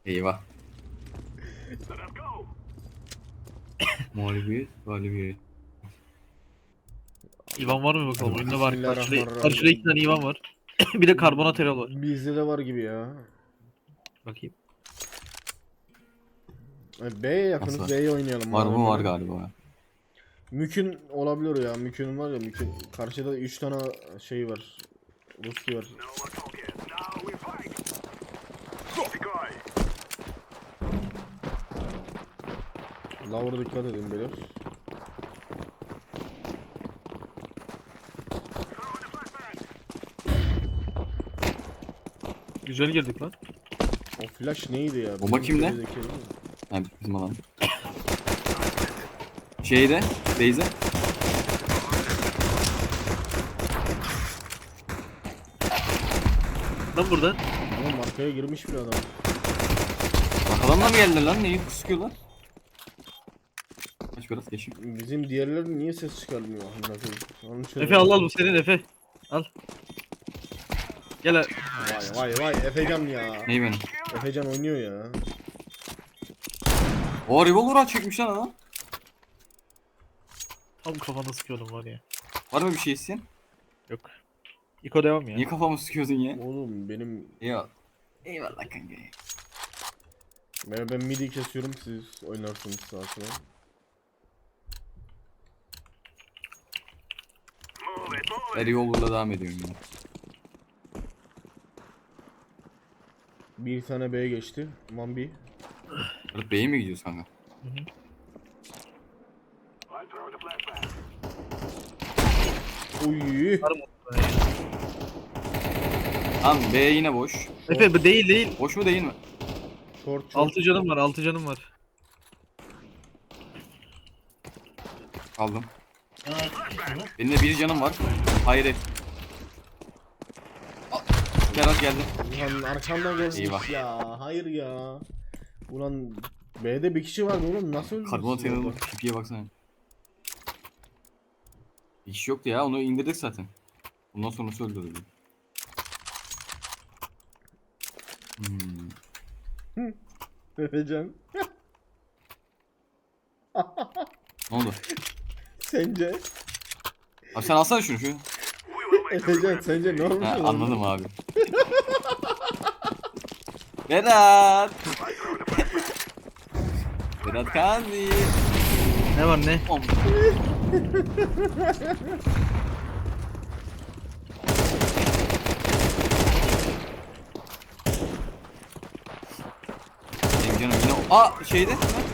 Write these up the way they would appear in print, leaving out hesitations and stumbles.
Eyvah. Mağlubiyet, galibiyet. İvan var mı bakalım? Oyunda var. Bismillahirrahmanirrahim. Karşıda 2 tane İvan var. Bir de karbonat erol var. Bizde de var gibi ya. Bakayım. B'ye Nasıl yakınız, var? B'ye oynayalım. Var madem mı? Var öyle. galiba. Mükün olabilir ya. Mükün var ya, Mükün. Karşıda 3 tane şey var. Ruski var. Lower'a dikkat edin beyler. Güzel girdik lan. O flash neydi ya? Bomba Bizim kimde? gerideki değil mi? Ha, bizim alan. Şeyde, Beyze. Lan burada. Ama markaya girmiş bir adam. Arkadan mı geldiler lan? Neyi sıkıyorlar? Kaç biraz geçeyim. Bizim diğerler niye ses çıkarmıyor? Amına koyayım. Onun için- Efe al bu senin Efe. Al. Gel. Vay vay vay, Efecan ya. Neyi benim? Efecan oynuyor ya. O revolver'a çekmiş lan adam. Tam kafana sıkıyordum var ya. Var mı bir şey isteyen? Yok. İko devam ya. Niye kafamı sıkıyordun ya? Oğlum benim Eyvallah. Eyvallah kanka. ben midi kesiyorum, siz oynarsınız sağa sola. Ben revolver'la devam ediyorum ya. Bir tane B'ye geçti. Mambi. Alıp B'ye mi gidiyoruz kanka? Uy. Tamam B yine boş. Efe bu değil. Boş mu değil mi? Short short. 6 canım var 6 canım var. Aldım. Benim de bir canım var. Hayır. Berat geldi. Ulan arkamdan gelmiş Eyvah. ya. Hayır ya. Ulan B'de bir kişi vardı oğlum, nasıl öldürsün? Karbonat ya? yanıldı. Pipiye baksana. Bir kişi yoktu ya, onu indirdik zaten. Bundan sonrası öldürüldü. Efecan. Ne oldu? Sence? Abi sen alsana şunu. Efecan sence ne olmuş? Ha, oğlum? anladım abi. Berat. Berat Kazi. Ne var ne? Om. Benim canım yine... Aa şeyde.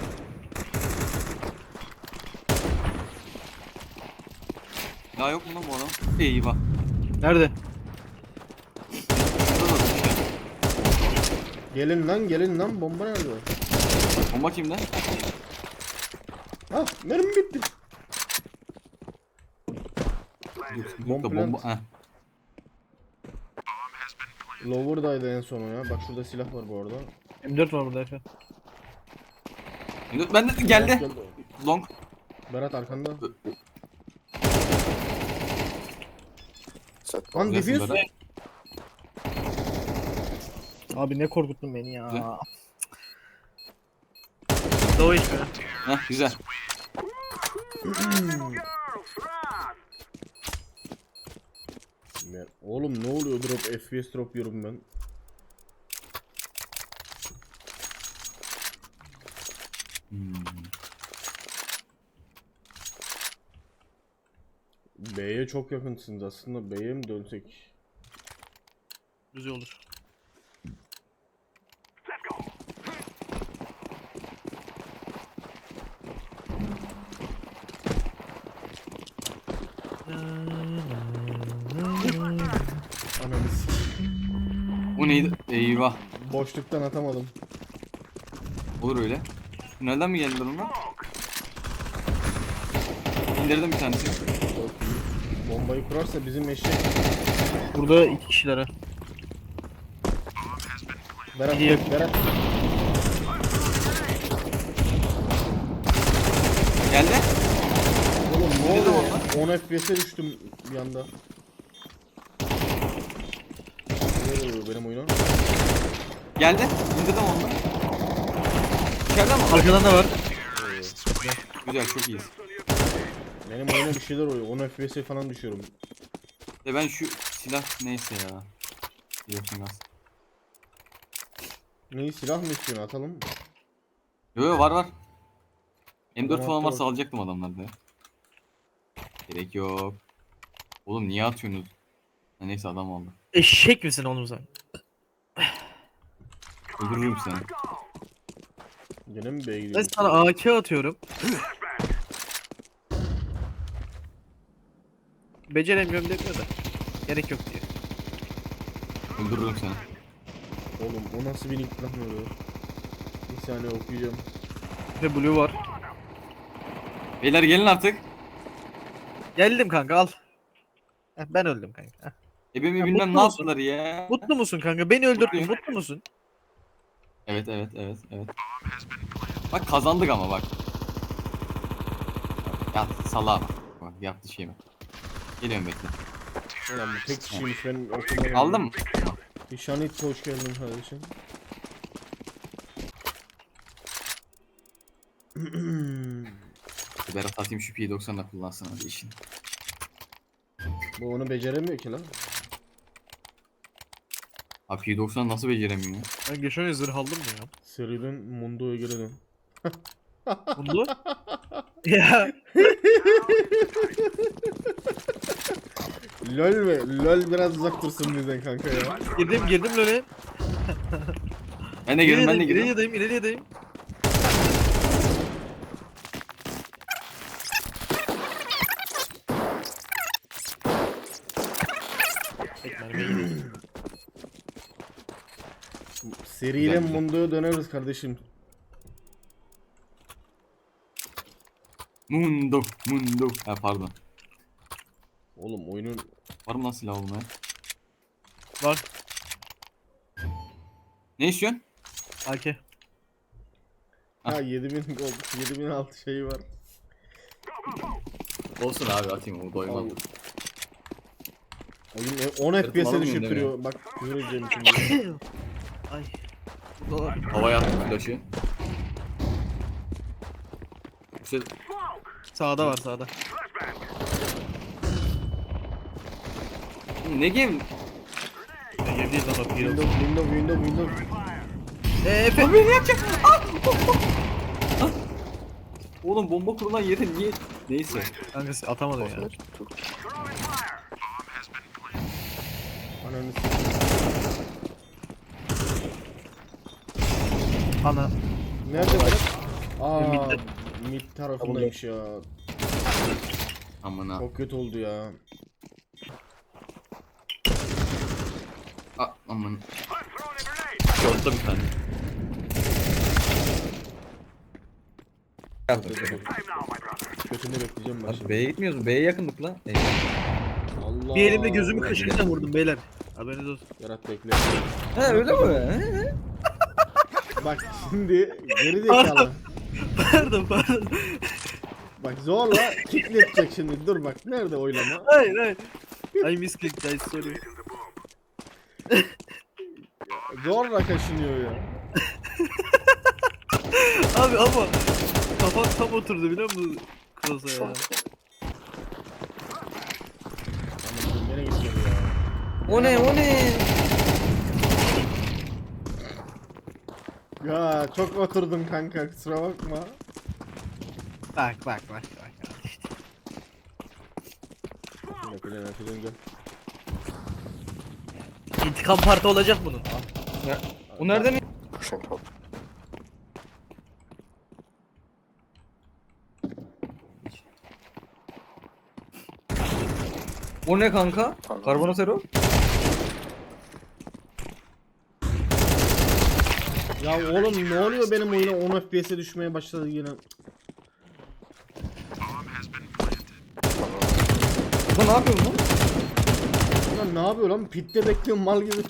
Daha yok mu lan bu adam? Eyvah. Nerede? Şurada da bir şey. Gelin lan bomba nerede? Bomba kimde? Ah mermi bitti. Yok da bomba. Heh. Lower'daydı en son o ya. Bak şurada silah var bu arada. M4 var burada Efe. Ben de geldi. Long. Berat arkanda. Güzelsin Lan defuse. Berat. Abi ne korkuttun beni ya. Güzel. Doğu işte. Heh güzel. Oğlum ne oluyor, drop FPS drop yiyorum ben. B'ye çok yakınsınız aslında, B'ye mi dönsek? Güzel olur. Ananı Bu neydi? Eyvah. boşluktan atamadım. Olur öyle. Tünelden mi geldiler onlar? İndirdim bir tanesi. Bombayı kurarsa bizim eşek. Burada 2 kişilere. Berat, İyi. Berat. Geldi. Oğlum ne Ne oluyor zaman ya? 10 FPS'e düştüm bir anda. Ne oluyor benim oyuna? Geldi. İndirdim onu. İçeride mi? Arkadan da var. Güzel, çok iyiyiz. Benim oyuna bir şeyler oluyor. 10 FPS falan düşüyorum. Ben şu silah neyse ya. Biliyorsun az. Neyi silah mı istiyorsun atalım? Yo var. M4 Adam falan attı varsa bak. alacaktım adamlarda. Gerek yok. Oğlum niye atıyorsunuz? Ha, neyse adam aldı. Eşek misin oğlum sen? Öldürürüm seni. Gene mi B'ye Ben gidiyorsun? sana AK atıyorum. Beceremiyorum demiyor da. Gerek yok diyor. Öldürürüm seni. Oğlum o nasıl bir nick lan öyle? Bir saniye okuyacağım. Ve blue var. Beyler gelin artık. Geldim kanka al. Heh, ben öldüm kanka. Heh. Benim Ya, bilmem mutlu ne musun? yaptılar ya. Mutlu musun kanka? Beni öldürdün. Mutluyum. Mutlu musun? Evet. Bak kazandık ama bak. Yat salağa bak yaptı şeyimi. Geliyorum bekle. Ulan bu tek kişiymiş ben okumadım. Aldın mı? Şanit hoş geldin kardeşim. Berat atayım şu P90'da kullansın hadi işin. Bu onu beceremiyor ki lan. Abi P90 nasıl beceremiyorum ya? Ben geçen ay zırh aldım mı ya? Seriden Mundo'ya geri dön. Bunu? Ya. LOL mi? LOL biraz uzak dursun bizden kanka ya. Girdim öyle. Ben de girdim. İleriyedeyim. Seriyle Güzel. Mundo'ya döneriz kardeşim. Mundo. Ha pardon. Oğlum oyunun Var mı lan silah oğlum ya? Var. Ne istiyorsun? AK. ha 7000 gold, 7006 şeyi var. Olsun abi atayım o doymam. Al. Oyun 10 Sırtım FPS'e alamıyorum düşürtüyor. Bak küfür edeceğim şimdi. Ay. Dolar. Havaya attım flaşı. İşte Sağda var sağda. ne game? Girdiği zaman Windows. Efe. Abi ne yapacak? Oğlum bomba kurulan yeri niye? Neyse. Kankası atamadım ya. Ananı s**eyim. Ana. Nerede Berat? Aa Mid'de. mid tarafındaymış ya. Aman ha. Çok kötü oldu ya. Aman. Short'ta bir tane. Kötünü bekleyeceğim ben şimdi. B'ye gitmiyoruz mu? B'ye yakındık lan. Allah. Bir elimde gözümü kaşıyla vurdum beyler. Haberiniz olsun. Berat bekle. He öyle mi? Bak şimdi geri zekalı. Pardon. Bak zorla kilitletecek şimdi. Dur bak nerede oylama? Hayır. I misclicked guys sorry. Zorla kaşınıyor ya. Abi ama kafam tam oturdu biliyor musun? Cross'a ya. Ama gene gidiyor ya. O ne? Ya çok oturdun kanka kusura bakma. Bak. Bir dakika gel açacağım gel. İntikam parti olacak bunun. O nereden? O ne kanka? Karbonatero? Ya oğlum ne oluyor benim oyuna 10 FPS'e düşmeye başladı yine. Bu ne yapıyor lan? Lan ne yapıyor lan? Pitte bekliyorum mal gibi.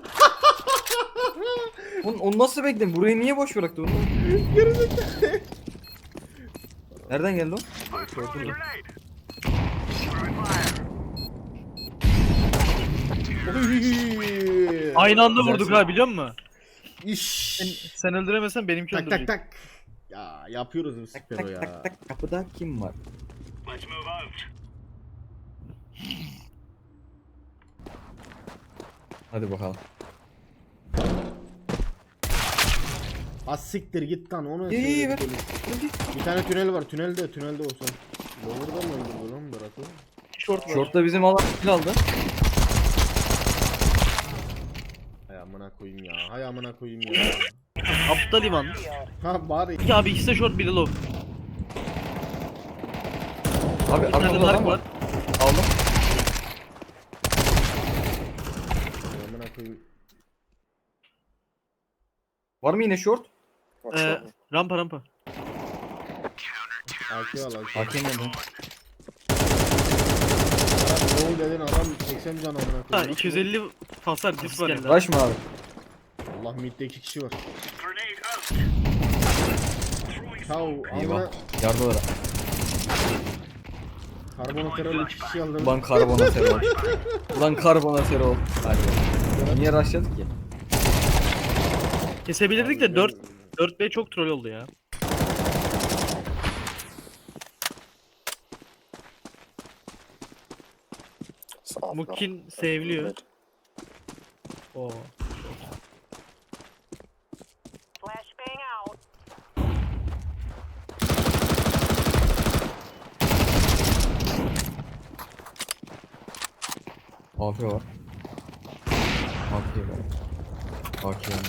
Onu nasıl bekledin? Burayı niye boş bıraktı onu? Nereden geldi o? Oy. Aynı anda Güzel vurduk şey. ha biliyor musun? İş. Sen öldüremezsen benimki Tak öldürecek. tak tak. Ya yapıyoruz bu Tak spero tak ya. tak tak kapıda kim var? Hadi bakalım. Az siktir git lan onu İyi iyi ver. söyledik. Bir tane tünel var. Tünelde olsun. Lower'dan mı öldürdü lan Berat'ı? Short var. Short'ta bizim alan kill aldı. Hay amına koyayım ya. Hay amına koyayım ya. Aptal İvan. Ha bari. İki abi ikisi de short biri low. Abi Bir tane arkamda adam dark var. var. Aldım. Hay amına koyayım. Var mı yine short? Rampa. AK al AK. Hakem nerede? Berat low dedin adam 80 can amına Ha koyayım. 250 hasar dis var elde. Rush mı abi? Allah midde 2 kişi var. Kav Eyvah. amına Yardılara. karbonatörel 2 kişi aldım. Ulan karbonatör ol. Ulan karbonatör ol. Hadi. Niye rushladık ki? Kesebilirdik de 4B çok troll oldu ya. Mukin seviliyor. Oo. Flashbang out. AP var. AP var. AK var.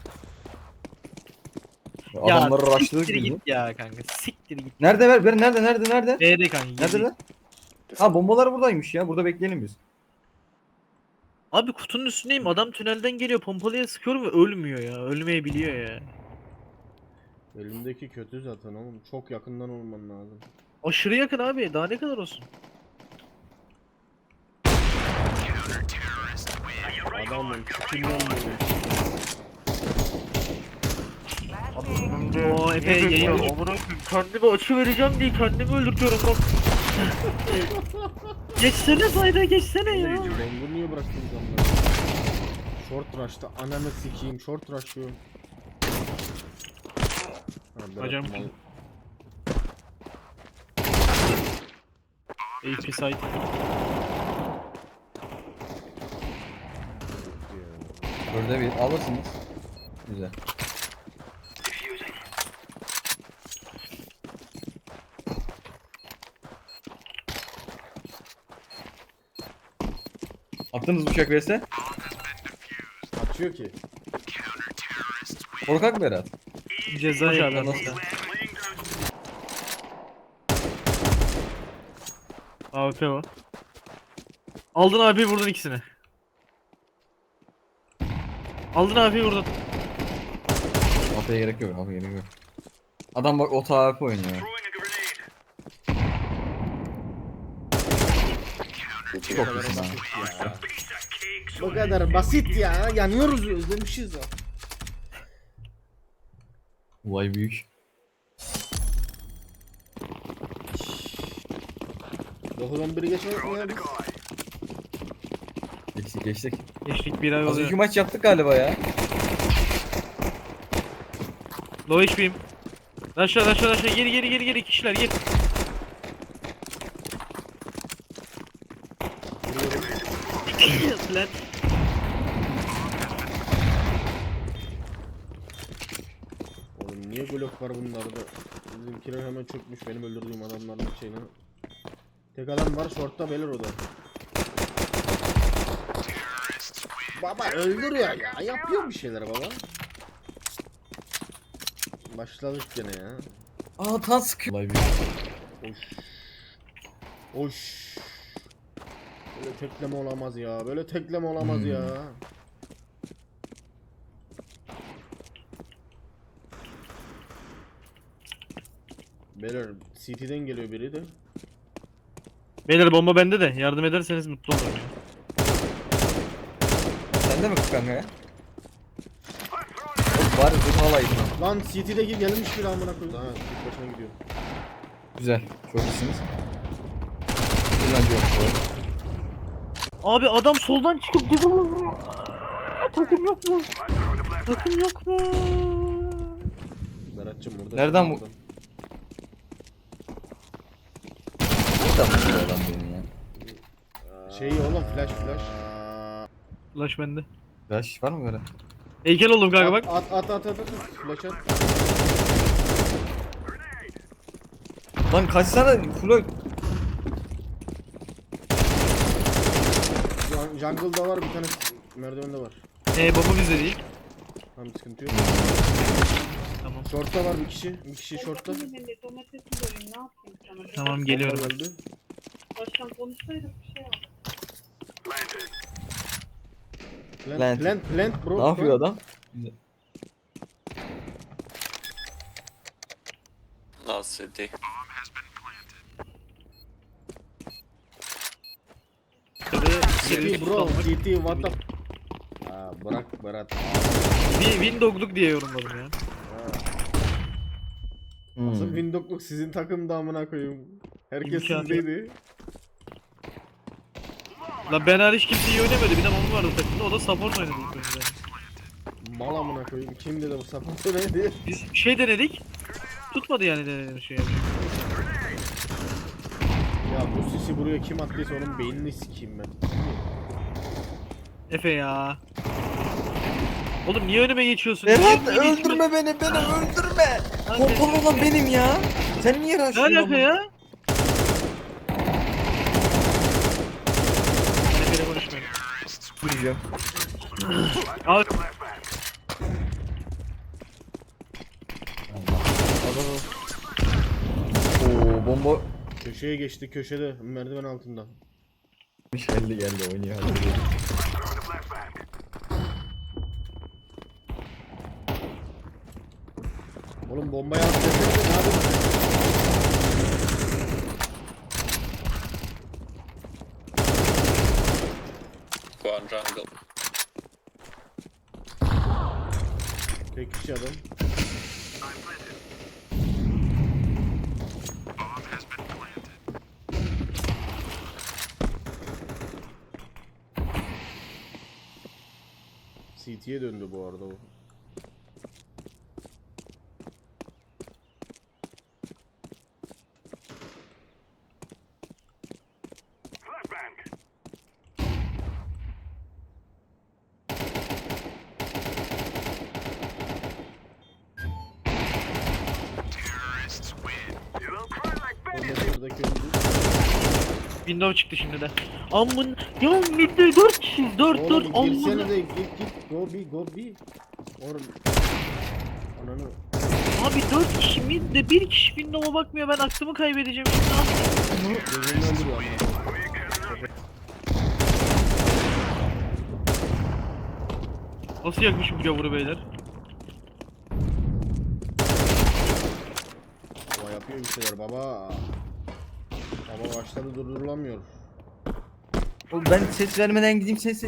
Adamları rushladık siktir gibi. git ya kanka. Siktir git. Nerede ver? Nerede? B'de kanka. Nerede lan? Ha bombalar buradaymış ya. Burada bekleyelim biz. Abi kutunun üstündeyim. Adam tünelden geliyor. Pompalıya sıkıyorum ve ölmüyor ya. Ölmeyebiliyor ya. Elimdeki kötü zaten oğlum. Çok yakından olman lazım. Aşırı yakın abi. Daha ne kadar olsun? Adamın çıkından böyle. Oo epey yayın. Amına koyayım. Kendime açı vereceğim diye kendimi öldürtüyorum bak. Geçsene sayda geçsene ya. Ben bunu niye bıraktım zamları? Short rush'ta ananı sikeyim. Short rush'ıyor. Hocam. AP site. Burada bir alırsınız. Güzel. Attınız bıçak verse. Açıyor ki. Korkak Berat. Ceza abi Nasıl? AWP o. Aldın abi vurdun ikisini. Aldın abi vurdun. AP'ye gerek yok. AP'ye gerek yok. Adam bak ota AP oynuyor. Çok iyisin ha. Bu kadar basit ya. Yanıyoruz özlemişiz ya. Vay büyük. 9-11'i geçmedik mi ya biz? Geçtik. Geçtik bir ay Az oluyor. iki maç yaptık galiba ya. Low HP'yim. Aşağı geri kişiler gir. Lan. Oğlum niye blok var bunlarda? Bizimkiler hemen çökmüş benim öldürdüğüm adamların şeyine. Tek adam var shortta belir o da. Baba öldürüyor ya. Yapıyor bir şeyler baba. Başladık gene ya. Aa tan sıkıyor. Vay büyük. Oş. Oş. Böyle tekleme olamaz ya. Böyle tekleme olamaz ya. Beyler CT'den geliyor biri de. Beyler bomba bende de yardım ederseniz mutlu olurum. Sen de mi kanka ya? Oğlum bari zırh alayım. Lan CT'deki gelmiş biri amına koyayım. Ha, tek başına gidiyor. Güzel. Çok iyisiniz. Güzel yok. Abi adam soldan çıkıp bizi vuruyor. Takım yok mu? Takım yok mu? Berat'cığım burada. Nereden bu- adam. Nereden vuruyor adam beni ya? Şey oğlum flash. Flash bende. Flash var mı böyle? Heykel oldum kanka bak. At. Flash at. Lan kaçsana Floyd. Jungle'da var bir tane merdivende var. Baba bizde değil. Tamam sıkıntı yok. Tamam. Short'ta var bir kişi. Bir kişi short'ta. Domatesi göreyim ne yapayım sana? Tamam geliyorum. Öldü. Baştan konuşsaydık bir şey yapalım. Plant bro. Ne yapıyor adam? Last city. CT bro. CT what the... Bırak Berat. Bir Windows'luk diye yorumladım ya. Nasıl Hmm. Windows'luk sizin takımda amına koyayım. Herkes İmkanı sizdeydi. Lan ben hariç kimse iyi oynamadı. Bir de Mami vardı takımda. O da support oynadı ilk önce. Mal amına koyayım. Kim dedi bu sapıntı neydi? Biz bir şey denedik. Tutmadı yani denediğimiz şey. Ya bu sisi buraya kim attıysa onun beynini sikeyim ben. Efe ya. Oğlum niye önüme geçiyorsun? Berat Niye önüme öldürme beni öldürme. Kanka, Pompalı olan benim ya. Sen niye Ne rahatsın? alaka ya? Efe'yle konuşmayalım. Vuracağım. Al. Oo bomba. Köşeye geçti köşede merdiven altında. Geldi oynuyor. Hadi. Oğlum bombayı at desene ne yapıyorsun? Go on jungle. Tek kişi adam. CT'ye döndü bu arada o. Buradaki öldü. Windows çıktı şimdi de. Amın ya midde 4 kişiyiz. 4 Oğlum amın. girsene de git go be. Oğlum. Ananı. Abi 4 kişi midde 1 kişi Windows'a bakmıyor. Ben aklımı kaybedeceğim şimdi. Gözünü öldürüyor amına. Nasıl yakmışım bu gavuru beyler? Baba yapıyor bir şeyler baba. Baba başladı durdurulamıyor. Oğlum ben ses vermeden gideyim sesi.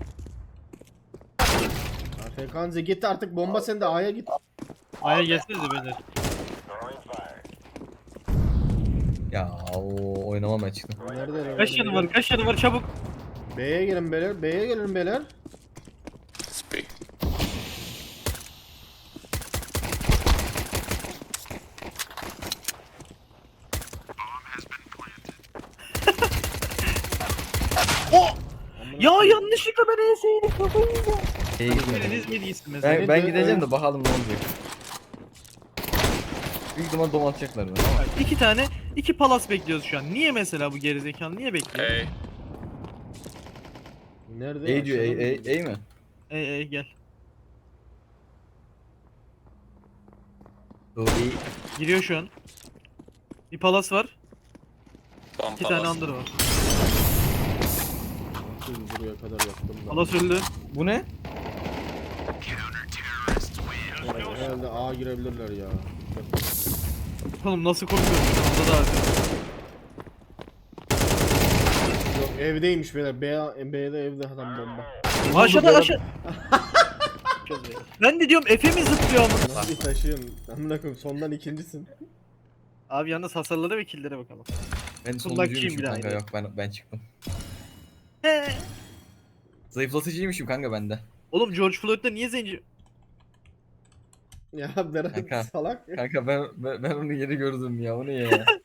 Fekanze git artık bomba sende A'ya git. Aya gelsenize beyler. Ya o oynamam ben çıktım. Nerede lan? Kaç yanı var? Kaç yanı var? Çabuk. B'ye gelin beyler. B'ye gelin beyler. Speak. Ya yanlışlıkla ben ESA'yı kafayı yiyeceğim. Şeye gitmedim. Biriniz ne değilsin mesela? Ben gideceğim de bakalım ne olacak. Büyük ihtimal dom atacaklar beni ama. Bak, 2 tane 2 palas bekliyoruz şu an. Niye mesela bu gerizekalı niye bekliyor? Hey. Nerede? A diyor Aşağıda mı? A mi? Gel. Doğru A. Giriyor şu an. Bir palas var. One 2 tane palace. under var. Siz buraya kadar yaptım ben. Palas öldü. Bu ne? Herhalde A girebilirler ya. Oğlum nasıl korkuyorsun? Onda da abi. Yok evdeymiş beyler. B'de evde adam bomba. Aşağıda aşağı. Ben de diyorum Efe mi zıplıyor ama? Nasıl bir taşıyorsun? Amına koyayım sondan ikincisin. Abi yalnız hasarladı ve kill'lere bakalım. Ben Fırlakçıyım sonuncuymuşum bir daha kanka yine. yok ben çıktım. He. Zayıflatıcıymışım kanka bende. Oğlum George Floyd'da niye zenci? Ya Berat Kanka. salak. Kanka ben onu yeri gördüm ya. O ne ya?